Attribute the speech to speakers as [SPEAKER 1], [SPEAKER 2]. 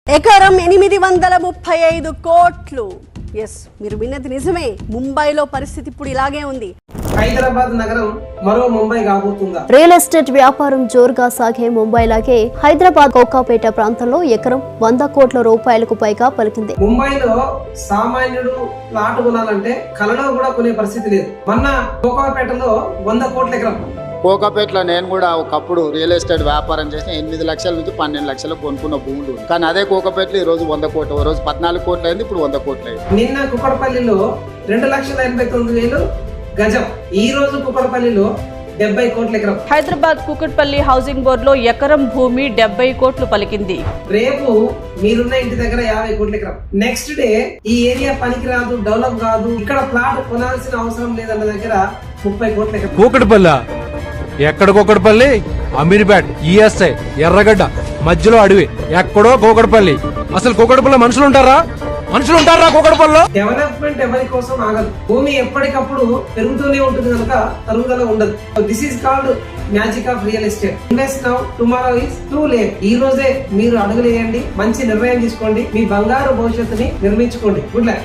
[SPEAKER 1] ఎకరం 835 కోట్లు. ఎస్, మీరు విన్నది నిజమే. ముంబైలో పరిస్థితి ఇప్పుడు ఇలాగే ఉంది.
[SPEAKER 2] హైదరాబాద్ నగరం మరో ముంబై కాబోతుందా?
[SPEAKER 3] రియల్ ఎస్టేట్ వ్యాపారం జోరుగా సాగే ముంబై లాగే హైదరాబాద్ కోకాపేట ప్రాంతంలో ఎకరం 100 కోట్ల రూపాయలకు పైగా పలికింది.
[SPEAKER 2] ముంబైలో సామాన్యుడు ప్లాట్ కొనాలంటే కలలో కూడా కొనే పరిస్థితి లేదు. మొన్న కోకాపేటలో 100 కోట్ల ఎకరం.
[SPEAKER 4] కోకాపేటలో నేను కూడా ఒకప్పుడు రియల్ ఎస్టేట్ వ్యాపారం చేసి 8 లక్షల నుంచి 12 లక్షలు కొనుక్కున్న భూములు. కానీ అదే కోకాపేటలో ఈ రోజు 100 కోట్లు, ఓ రోజు 14 కోట్లు అయింది, ఇప్పుడు 100 కోట్లు అయింది.
[SPEAKER 2] నిన్న కుక్కడపల్లిలో 2,89,000 గజం. ఈ రోజు కుక్కడపల్లిలో 70 కోట్ల ఎకరం.
[SPEAKER 5] హైదరాబాద్ కుకట్పల్లి హౌసింగ్ బోర్డు లో ఎకరం భూమి 70 కోట్లు పలికింది.
[SPEAKER 2] రేపు మీరున్న ఇంటి దగ్గర 50 కోట్ల ఎకరం. నెక్స్ట్ డే ఈ ఏరియా పనికి రాదు, డెవలప్ కాదు, ఇక్కడ ప్లాట్ కొనాల్సిన అవసరం లేదన్న దగ్గర 30 కోట్ల ఎకరం.
[SPEAKER 6] కూకట్పల్లి ఎక్కడ? కూకట్పల్లి, అమీర్పేట్, ఈఎస్ఐ, ఎర్రగడ్డ మధ్యలో అడవి. ఎక్కడో కూకట్పల్లి. అసలు కూకట్పల్లి మనుషులు ఉంటారా? కూకట్పల్లిలో
[SPEAKER 2] డెవలప్మెంట్ ఎవరి కోసం ఆగదు. భూమి ఎప్పటికప్పుడు పెరుగుతూనే ఉంటుంది కనుక తరుగుదల ఉండదు. This is called magic of real estate. Invest now, tomorrow is too late. ఈ రోజే మీరు అడుగులేయండి, మంచి నిర్ణయం తీసుకోండి, మీ బంగారు భవిష్యత్తుని నిర్మించుకోండి. Good luck.